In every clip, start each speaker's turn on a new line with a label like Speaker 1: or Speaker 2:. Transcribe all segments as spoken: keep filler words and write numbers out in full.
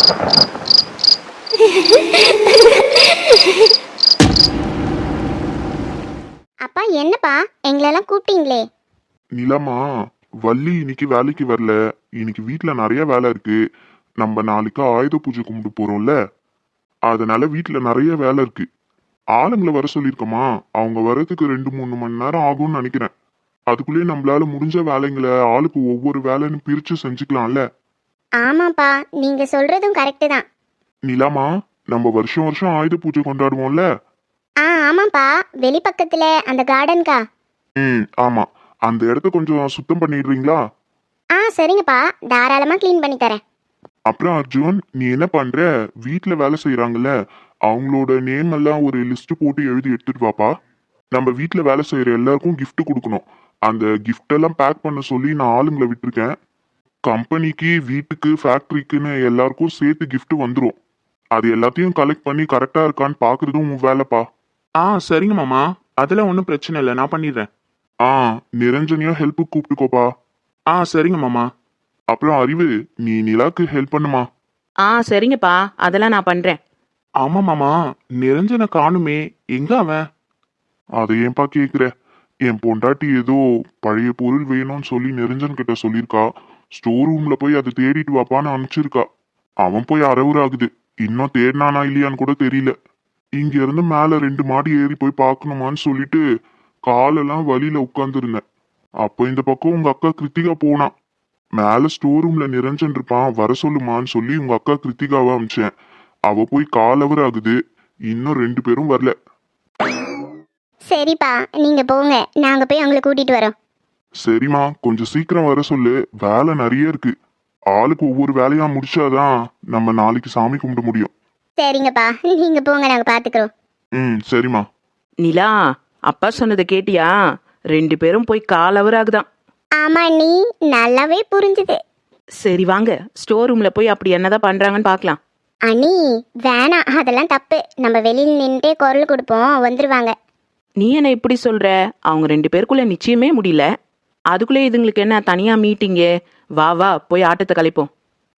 Speaker 1: அப்பா என்னப்பா எங்களெல்லாம் கூப்பிட்டீங்களே?
Speaker 2: நிலமா, வள்ளி இன்னைக்கு வேலைக்கு வரல. இன்னைக்கு வீட்ல நிறைய வேலை இருக்கு. நம்ம நாளைக்கு ஆயுத பூஜை கும்பிட்டு போறோம்ல, அதனால வீட்ல நிறைய வேலை இருக்கு. ஆளுங்களை வர சொல்லியிருக்கோமா, அவங்க வர்றதுக்கு ரெண்டு மூணு மணி நேரம் ஆகும்னு நினைக்கிறேன். அதுக்குள்ளேயே நம்மளால முடிஞ்ச வேலைங்களை ஆளுக்கு ஒவ்வொரு வேலைன்னு பிரிச்சு செஞ்சுக்கலாம்ல.
Speaker 1: ஆமாப்பா, நீங்க சொல்றதும் கரெக்டு தான்.
Speaker 2: நிலமா, நம்ம வருஷம் வருஷம் ஆயுத பூஜை கொண்டாடுவோம்ல.
Speaker 1: ஆ ஆமாப்பா, வெளிப்பக்கத்துல அந்த கார்டன்கா?
Speaker 2: ம் ஆமா, அந்த இடத்த கொஞ்சம் சுத்தம் பண்ணிடுறீங்களா?
Speaker 1: ஆ சரிங்கப்பா, தாராளமா க்ளீன் பண்ணி தரேன்.
Speaker 2: அப்புறம் அர்ஜுன், நீ என்ன பண்ற? வீட்ல வேலை செய்யறாங்கல்ல, அவங்களோட நேம் எல்லாம் ஒரு லிஸ்ட் போட்டு எழுதி எடுத்துட்டு வாப்பா. நம்ம வீட்ல வேலை செய்யற எல்லாருக்கும் gift கொடுக்கணும். அந்த gift எல்லாம் பேக் பண்ண சொல்லி நான் ஆளுங்களை விட்டுருக்கேன். கம்பெனிக்கு, வீட்டுக்கு, ஃபேக்டரிக்குன்னு எல்லாருக்கும் சேர்த்து gift வந்துடும். அது எல்லாத்தையும் கலெக்ட் பண்ணி கரெக்டா இருக்கான்னு பாக்குறதும் உன் வேலைப்பா.
Speaker 3: ஆ சரிங்க மாமா, அதெல்லாம் ஒன்றும் பிரச்சனை இல்லை, நான் பண்ணிடுறேன்.
Speaker 2: ஆ, நிரஞ்சனியும் ஹெல்ப்புக்கு கூப்பிட்டுக்கோப்பா.
Speaker 3: ஆ சரிங்க மாமா.
Speaker 2: அப்புறம் அறிவு, நீ நிலாக்கு ஹெல்ப் பண்ணுமா.
Speaker 4: ஆ சரிங்கப்பா, அதெல்லாம் நான் பண்றேன்.
Speaker 3: ஆமா மாமா, நிரஞ்சனை காணுமே, எங்க அவன்?
Speaker 2: அதை ஏன்பா கேக்குற? என் பொண்டாட்டி ஏதோ பழைய பொருள் வேணும்னு சொல்லி நிரஞ்சன் கிட்ட சொல்லியிருக்கா. ஸ்டோர் ரூம்ல போய் அதை தேடிட்டு வாப்பான்னு அனுப்பிச்சிருக்கா. அவன் போய் அரவுர் ஆகுது. இன்னும் தேடினானா இல்லையான்னு கூட தெரியல. இங்க இருந்து மேல ரெண்டு மாடி ஏறி போய் பார்க்கணுமான்னு சொல்லிட்டு காலெல்லாம் வழியில உட்கார்ந்துருந்தேன். அப்போ இந்த பக்கம் உங்க அக்கா கிருத்திகா போனா. மேல ஸ்டோர் ரூம்ல நிரஞ்சன் இருப்பான், வர சொல்லுமான்னு சொல்லி உங்க அக்கா கிருத்திகாவை அமிச்சேன். அவ போய் காலவர் ஆகுது. இன்னும் ரெண்டு பேரும் வரல.
Speaker 1: சரிப்பா, நீங்க போங்க, நாங்க போய் அவங்களை கூட்டிட்டு வரோம்.
Speaker 2: சரிம்மா, கொஞ்சம் சீக்கிரம் வர சொல்லு. வேலை நிறைய இருக்கு. ஆளுக்கு ஒவ்வொரு வேலையா முடிச்சாதான் நம்ம நாளைக்கு சாமி கும்பிட முடியும்.
Speaker 1: சரிங்கப்பா, நீங்க போங்க, நாங்க பாத்துக்கிறோம்.
Speaker 2: ம் சரிம்மா.
Speaker 4: நிலா, அப்பா சொன்னதை கேட்டியா? ரெண்டு பேரும் போய் கால் அவர் ஆகுதான்.
Speaker 1: ஆமா, நீ நல்லாவே புரிஞ்சுது.
Speaker 4: சரி வாங்க, ஸ்டோர் ரூம்ல போய் அப்படி என்னதான் பண்றாங்கன்னு பார்க்கலாம்.
Speaker 1: அண்ணி வேணாம், அதெல்லாம் தப்பு. நம்ம வெளியில் நின்றுட்டே குரல் கொடுப்போம், வந்துருவாங்க.
Speaker 4: நீ என்ன இப்படி சொல்ற? அவங்க ரெண்டு பேருக்குள்ள நிச்சயமே முடியல, அதுக்குள்ளே இதுங்களுக்கு என்ன தனியா மீட்டிங்கு? வா வா, போய் ஆட்டத்தை கலைப்போம்.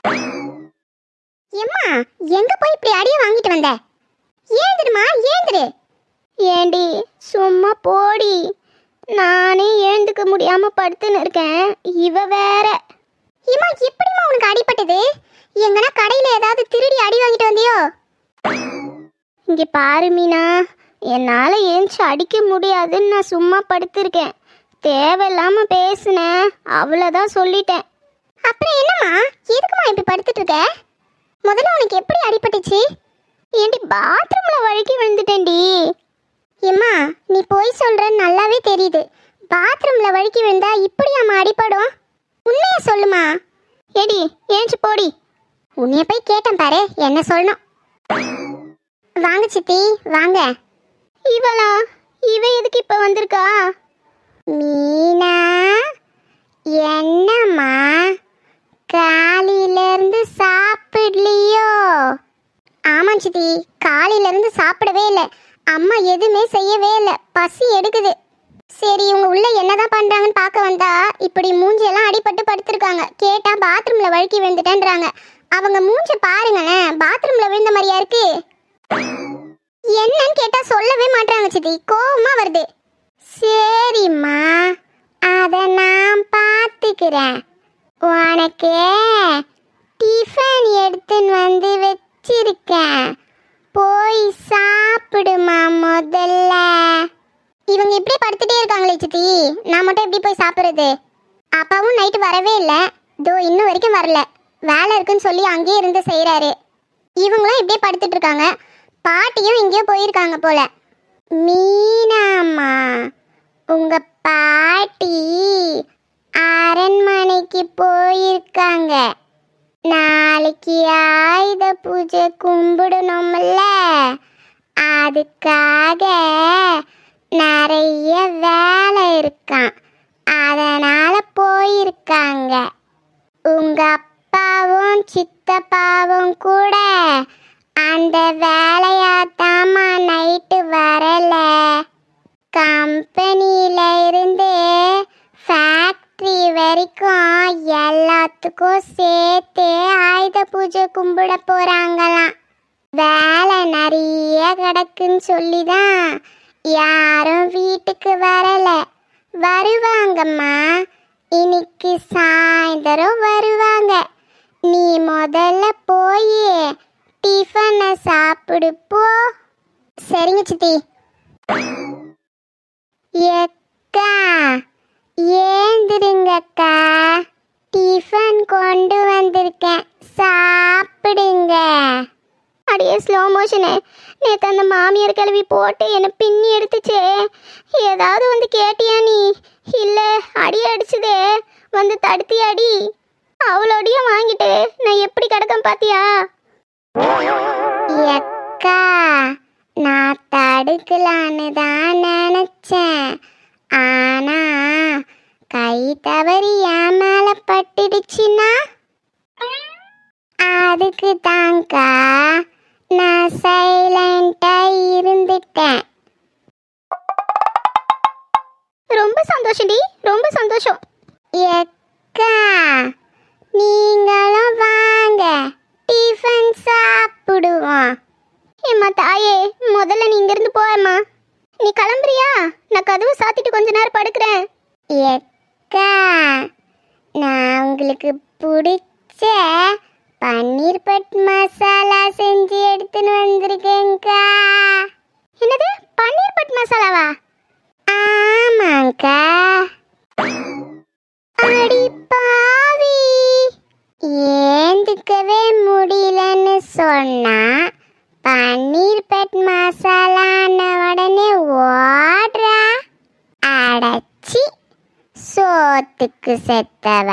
Speaker 1: எம்மா, எங்க போய் இப்படி அடிய வாங்கிட்டு வந்த? ஏந்திருமா, ஏந்திரு. ஏண்டி சும்மா போடி. நானே எழுந்துக்க முடியாம படுத்துன்னு இருக்கேன், இவ வேற. ஏம்மா, எப்படிம்மா உனக்கு அடிபட்டது? எங்கன்னா கடையில ஏதாவது திருடி அடி வாங்கிட்டு வந்தியோ? இங்க பாரு மீனா, என்னால ஏஞ்சி அடிக்க முடியாதுன்னு நான் சும்மா படுத்திருக்கேன். தேவையில்லாம பேசுனேன், அவ்வளோதான் சொல்லிட்டேன். அப்புறம் என்னம்மா, எதுக்குமா இப்படி படுத்துட்டு இருக்க? முதல்ல உனக்கு எப்படி அடிபட்டுச்சு? ஏண்டி பாத்ரூம்ல வழுக்கி விழுந்துட்டேன்டி. ஏம்மா, நீ போய் சொல்றன்னு நல்லாவே தெரியுது. பாத்ரூம்ல வழுக்கி விழுந்தா இப்படியாம்மா அடிபடும்? உண்மையை சொல்லுமா. ஏடி ஏஞ்சி போடி. உன்னைய போய் கேட்டேன் பாரு, என்ன சொல்லணும். வாங்க சித்தி, வாங்க. இவளா? இவ எதுக்கு இப்ப வந்திருக்கா? மீனா, என்னம்மா காலையில இருந்து சாப்பிடலையோ? ஆமா சித்தி, காலையில இருந்து சாப்பிடவே இல்லை. அம்மா எதுவுமே செய்யவே இல்லை, பசி எடுக்குது. சரி, இவங்க உள்ள என்னதான் பண்றாங்கன்னு பார்க்க வந்தா இப்படி மூஞ்சியெல்லாம் அடிபட்டு படுத்திருக்காங்க. கேட்டா பாத்ரூம்ல வழுக்கி விழுந்துட்டேன்றாங்க. அவங்க மூஞ்ச பாருங்களேன், பாத்ரூம்ல விழுந்த மாதிரியா இருக்கு. என்னன்னு கேட்டா சொல்லவே மாட்டாங்க சித்தி, கோவமா வருது. சரிம்மா, அத நான் பார்த்துக்கிறேன். உனக்கு டிஃபன் எடுத்துன்னு வந்து வச்சிருக்கேன், போய் சாப்பிடுமா முதல்ல. இவங்க இப்படியே படுத்துட்டே இருக்காங்களே சித்தி, நான் மட்டும் எப்படி போய் சாப்பிட்றது? அப்பாவும் நைட்டு வரவே இல்லை, தோ இன்னும் வரைக்கும் வரல. வேலை இருக்குன்னு சொல்லி அங்கேயே இருந்து செய்கிறாரு. இவங்களும் இப்படியே படுத்துட்டு இருக்காங்க. பாட்டியும் எங்கேயோ போயிருக்காங்க போல. மீனாம்மா, உங்க பாட்டி அரண்மனைக்கு போயிருக்காங்க. நாளைக்கு ஆயுத பூஜை கும்பிடணும்ல, அதுக்காக நிறைய வேலை இருக்கான், அதனால போயிருக்காங்க. உங்க அப்பாவும் சித்தப்பாவும் கூட அந்த வேலையாத்தாமா நைட்டு வரல. கம்பெனியில இருந்து ஃபேக்ட்ரி வரைக்கும் எல்லாத்துக்கும் சேர்த்தே ஆயுத பூஜை கும்பிட போறாங்களாம். வேலை நிறைய கிடக்குன்னு சொல்லிதான் யாரும் வீட்டுக்கு வரல. வருவாங்கம்மா, இன்னைக்கு சாயந்தரம் வருவாங்க. நீ முதல்ல போய் டிஃபனை சாப்பிடு போ. சரிங்க சித்தி. எக்கா ஏந்திருங்கக்கா, டிஃபன் கொண்டு வந்திருக்கேன், சாப்பிடுங்க. அடியே ஸ்லோ மோஷனு, நேற்று அந்த மாமியார் கிளவி போட்டு என்னை பின்னி எடுத்துச்சே, ஏதாவது வந்து கேட்டியா நீ? இல்லை அடி அடிச்சுதே, வந்து தடுத்தி அடி. அவளோடையும் வாங்கிட்டு நான் எப்படி கிடக்கேன் பாத்தியா? எக்கா நான் தடுக்கலான்னு தான் நினைச்சேன், ஆனா கை தவறி என் மேல பட்டுடுச்சுன்னா அதுக்கு தாங்க்கா நான் சைலண்டா இருந்துட்டேன். ரொம்ப சந்தோஷம்டி, ரொம்ப சந்தோஷம். எக்கா நீங்களும் வாங்க, டிஃபன் சாப்பிடுவோம். ஏம்மா தாயே, முதல்ல நீ இங்கிருந்து போயம்மா. நீ கிளம்புறியா? நான் கதவு சாத்திட்டு கொஞ்ச நேரம் படுக்கிறேன். எக்கா நான் உங்களுக்கு பிடிச்ச பன்னீர் பட் மசாலா செஞ்சு எடுத்துன்னு வந்திருக்கேங்க்கா. என்னது, பன்னீர் பட் மசாலாவா? ஆமாங்க்கா. அடி பாவி, ஏந்துக்கவே முடியலன்னு சொன்னா பன்னீர் பட் மசாலான உடனே ஓடுறா. அடச்சி சோத்துக்கு செத்தவ.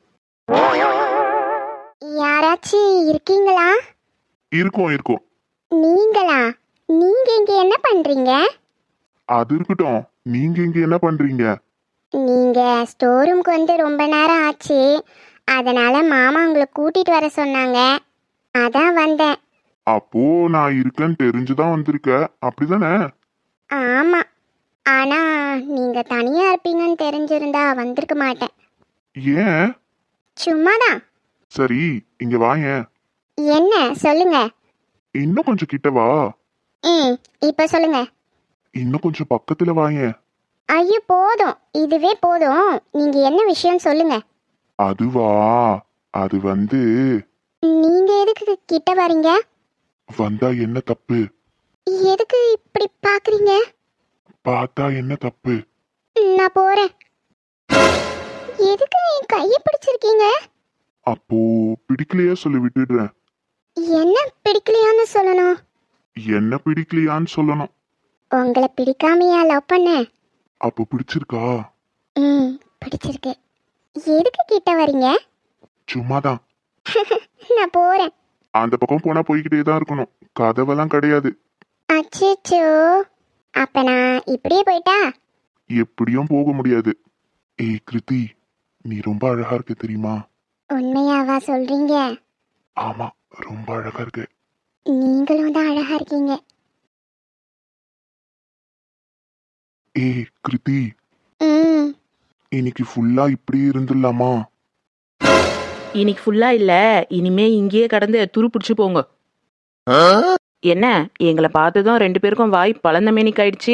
Speaker 1: யாராச்சும் இருக்கீங்களா?
Speaker 2: இருக்கும் இருக்கும்.
Speaker 1: நீங்களா? நீங்க இங்க என்ன பண்றீங்க?
Speaker 2: அது இருக்கட்டும், நீங்க இங்க என்ன பண்றீங்க?
Speaker 1: நீங்க ஸ்டோர் ரூம்க்கு வந்து ரொம்ப நேரம் ஆச்சு, அதனால மாமா உங்களை கூட்டிட்டு வர சொன்னாங்க, அதான் வந்தேன்.
Speaker 2: அப்போ நான் இருக்கேன்னு தெரிஞ்சுதான் வந்திருக்க, அப்படிதானே?
Speaker 1: ஆமா, ஆனா நீங்க தனியா இருப்பீங்கன்னு தெரிஞ்சிருந்தா வந்திருக்க மாட்டேன்.
Speaker 2: ஏன்?
Speaker 1: சும்மாதான்.
Speaker 2: சரி, இங்க வாயேன்.
Speaker 1: என்ன சொல்லுங்க.
Speaker 2: இன்னும் கொஞ்சம் கிட்ட வா.
Speaker 1: ம் இப்ப சொல்லுங்க.
Speaker 2: இன்னும் கொஞ்சம் பக்கத்துல வாயேன்.
Speaker 1: ஐயோ போதும், இதுவே போதும். நீங்க என்ன விஷயம் சொல்லுங்க.
Speaker 2: அதுவா, அது வந்து
Speaker 1: நீங்க எதுக்கு கிட்ட வரீங்க?
Speaker 2: வந்தா என்ன தப்பு?
Speaker 1: எதுக்கு இப்படி பாக்குறீங்க?
Speaker 2: பார்த்தா என்ன தப்பு?
Speaker 1: நான் போறேன். எதுக்கு என் கையை பிடிச்சிருக்கீங்க?
Speaker 2: அப்போ பிடிக்கலையா சொல்லி விட்டுடுறேன்.
Speaker 1: என்ன பிடிக்கலையான்னு சொல்லணும்?
Speaker 2: என்ன பிடிக்கலையான்னு சொல்லணும்.
Speaker 1: உங்களை பிடிக்காமையா லவ் பண்ணேன்?
Speaker 2: அப்போ பிடிச்சிருக்கா?
Speaker 1: ம் பிடிச்சிருக்கு. எதுக்கு கிட்ட வரீங்க?
Speaker 2: சும்மாதான்.
Speaker 1: நான் போறேன்.
Speaker 2: அந்த பக்கம் போனா போய்கிட்டே தான் இருக்கணும், கதவெல்லாம் கிடையாது.
Speaker 1: அச்சோ, அப்ப நான் இப்படியே போயிட்டா?
Speaker 2: எப்படியும் போக முடியாது. ஏய் கிருதி, நீ ரொம்ப அழகா இருக்க தெரியுமா?
Speaker 1: உண்மையாவா சொல்றீங்க?
Speaker 2: ஆமா, ரொம்ப அழகா இருக்கு.
Speaker 1: நீங்களும் தான் அழகா இருக்கீங்க.
Speaker 2: ஏய் கிருதி,
Speaker 1: ம்
Speaker 2: இன்னைக்கு ஃபுல்லா இப்படியே இருந்துடலாமா?
Speaker 4: இன்னைக்கு ஃபுல்லா இல்ல, இனிமே இங்கேயே கடந்து துரு பிடிச்சு போங்க. என்ன, எங்களை பார்த்ததும் ரெண்டு பேருக்கும் வாய் பழந்த மேனிக்கு ஆயிடுச்சு.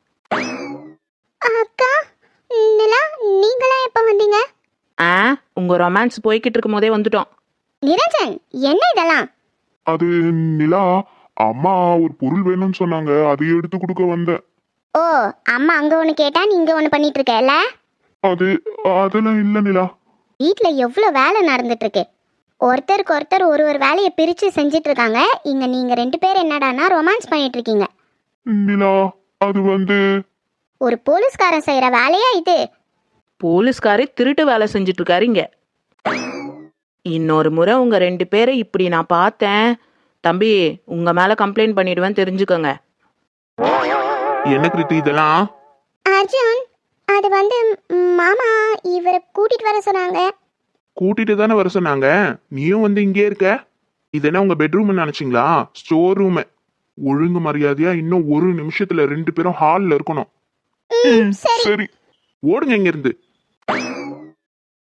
Speaker 1: அக்கா நிலா, நீங்களா எப்ப வந்தீங்க?
Speaker 4: ஆ, உங்க ரொமான்ஸ் போய்கிட்டு இருக்கும் போதே வந்துட்டோம்.
Speaker 1: நிரஞ்சன், என்ன இதெல்லாம்?
Speaker 2: அது நிலா, அம்மா ஒரு பொருள் வேணும்னு சொன்னாங்க, அதை எடுத்து கொடுக்க வந்தேன்.
Speaker 1: ஓ, அம்மா அங்க ஒண்ணு கேட்டா நீங்க ஒண்ணு பண்ணிட்டு இருக்கல?
Speaker 2: அது அதெல்லாம் இல்ல நிலா.
Speaker 1: வீட்ல எவ்வளவு வேலை நடந்துட்டு இருக்கு. ஒருத்தருக்கு ஒருத்தர் ஒரு ஒரு வேலையை பிரிச்சு செஞ்சிட்டு இருக்காங்க. இங்க நீங்க ரெண்டு பேரும் என்னடானா ரொமான்ஸ் பண்ணிட்டு இருக்கீங்க.
Speaker 2: நிலா, அது வந்து
Speaker 1: ஒரு போலீஸ்காரன் செய்யற வேலையா இது?
Speaker 4: போலீஸ்காரே திருட்டு வேலை செஞ்சுட்டு இருக்காரு இங்க. இன்னொரு முறை உங்க ரெண்டு பேரை இப்படி நான் பார்த்தேன் தம்பி, உங்க மேல கம்ப்ளைண்ட் பண்ணிடுவேன், தெரிஞ்சுக்கோங்க.
Speaker 3: என்ன கிருத்தி இதெல்லாம்?
Speaker 1: அர்ஜுன், அது வந்து ம், மாமா இவரை கூட்டிட்டு வர சொன்னாங்க.
Speaker 3: கூட்டிட்டு தானே வர சொன்னாங்க, நீயும் வந்து இங்கே இருக்க. இது என்ன உங்க பெட்ரூம் நினைச்சீங்களா? Store room. ஒழுங்கு மரியாதையா இன்னும் ஒரு நிமிஷத்துல ரெண்டு பேரும் ஹால்ல இருக்கணும்.
Speaker 1: ம், சரி.
Speaker 2: சரி,
Speaker 3: ஓடுங்க இங்க இருந்து.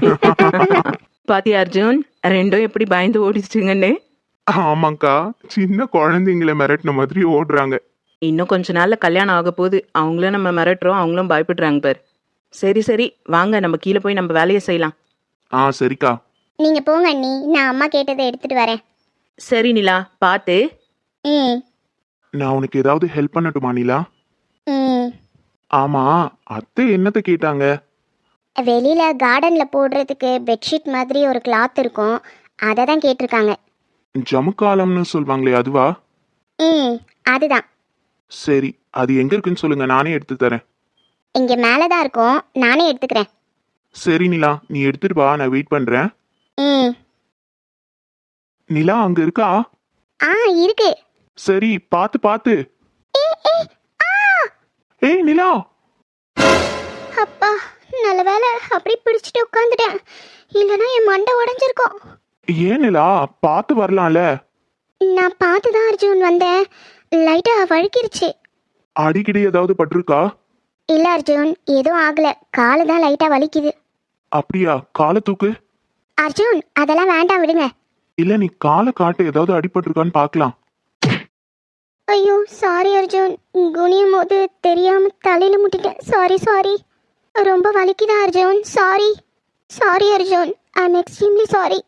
Speaker 4: பாத்தியா அர்ஜுன், ரெண்டும் எப்படி பயந்து ஓடிச்சுங்கன்னு.
Speaker 3: ஆமாக்கா, சின்ன குழந்தைங்கள மிரட்டின மாதிரி ஓடுறாங்க.
Speaker 4: இன்னும் கொஞ்ச நாள்ல கல்யாணம் ஆக போகுது, அவங்களும் நம்ம மிரட்டுறோம், அவங்களும் பயப்படுறாங்க பாரு. சரி சரி வாங்க, நம்ம கீழே போய் நம்ம வேலையை செய்யலாம்.
Speaker 3: ஆ சரிக்கா.
Speaker 1: நீங்க போங்க அண்ணி, நான் அம்மா கேட்டதை எடுத்துட்டு வரேன்.
Speaker 4: சரி நிலா, பார்த்து.
Speaker 1: ம்
Speaker 3: நான் உனக்கு ஏதாவது ஹெல்ப் பண்ணட்டுமா நிலா?
Speaker 1: ம்
Speaker 3: ஆமா, அத்தை என்னத்த கேட்டாங்க?
Speaker 1: வெளியில கார்டன்ல போடுறதுக்கு பெட்ஷீட் மாதிரி ஒரு கிளாத் இருக்கும், அதை தான் கேட்டிருக்காங்க.
Speaker 3: ஜமுக்காலம்னு சொல்லுவாங்களே அதுவா?
Speaker 1: ம் அதுதான்.
Speaker 3: சரி, அது எங்க இருக்குன்னு சொல்லுங்க, நானே எடுத்து தரேன்.
Speaker 1: இங்க மேலே தான் இருக்கும், நானே எடுத்துக்கிறேன்.
Speaker 3: சரி நிலா, நீ எடுத்துட்டு வா, நான் வெயிட் பண்றேன்.
Speaker 1: ம்
Speaker 3: நிலா அங்க இருக்கா?
Speaker 1: ஆ இருக்கு.
Speaker 3: சரி, பாத்து பாத்து.
Speaker 1: ஆ
Speaker 3: ஏய் நிலா.
Speaker 1: அப்பா, நல்ல வேலை அப்படி பிடிச்சிட்டு உட்காந்துட்டேன், இல்லைன்னா என் மண்டை உடஞ்சிருக்கும்.
Speaker 3: ஏன் நிலா, பாத்து வரலாம்ல.
Speaker 1: நான் பார்த்து தான் அர்ஜுன் வந்தேன், லைட்டாக வழுக்கிருச்சு.
Speaker 3: அடிக்கடி ஏதாவது பட்டிருக்கா?
Speaker 1: இல்லை அர்ஜுன், எதுவும் ஆகலை, காலு தான் லைட்டாக வலிக்குது.
Speaker 3: அப்படியா? காலை தூக்கு.
Speaker 1: அர்ஜுன் அதெல்லாம் வேண்டாம், விடுங்க.
Speaker 3: இல்ல, நீ காலை காட்டு, ஏதாவது அடிபட்டிருக்கான்னு பார்க்கலாம்.
Speaker 1: ஐயோ சாரி அர்ஜுன், குனியும் போது தெரியாம தலையில முட்டிட்டேன், சாரி சாரி. ரொம்ப வலிக்குதா Arjun? Sorry sorry Arjun, I am extremely sorry.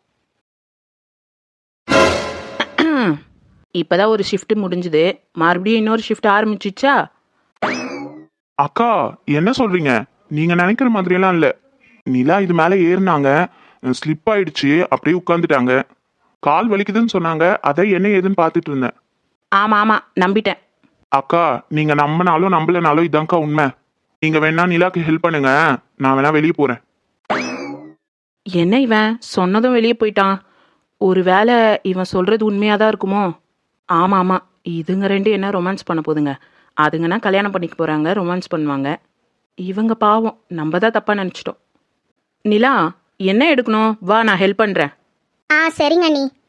Speaker 4: இப்பதான் ஒரு ஷிஃப்ட் முடிஞ்சுது, மறுபடியும் இன்னொரு ஷிஃப்ட் ஆரம்பிச்சிச்சா?
Speaker 3: அக்கா, என்ன சொல்றீங்க? நீங்க நினைக்கிற மாதிரியெல்லாம் இல்ல. நிலா இது மேல ஏறினாங்க, ஸ்லிப் ஆயிடுச்சு, அப்படியே உட்காந்துட்டாங்க. கால் வலிக்குதுன்னு சொன்னாங்க, அதை என்ன ஏதுன்னு பார்த்துட்டு இருந்தேன்.
Speaker 4: ஆமா ஆமா, நம்பிட்டேன்.
Speaker 3: அக்கா, நீங்க நம்பினாலும் நம்பலனாலும் இதான்க்கா உண்மை. நீங்க வேணா நிலாக்கு ஹெல்ப் பண்ணுங்க, நான் வேணா வெளியே போறேன்.
Speaker 4: என்ன இவன் சொன்னதும் வெளியே போயிட்டான்? ஒருவேளை இவன் சொல்றது உண்மையாதான் இருக்குமோ? ஆமா ஆமா, இதுங்க ரெண்டு என்ன ரொமான்ஸ் பண்ண போதுங்க? அதுங்கன்னா கல்யாணம் பண்ணிக்க போறாங்க, ரொமான்ஸ் பண்ணுவாங்க. இவங்க பாவம், நம்ம தான் தப்பா நினைச்சிட்டோம். நிலா, என்ன எடுக்கணும்? வா, நான் ஹெல்ப் பண்றேன்.
Speaker 1: ஆ சரிங்க அண்ணி.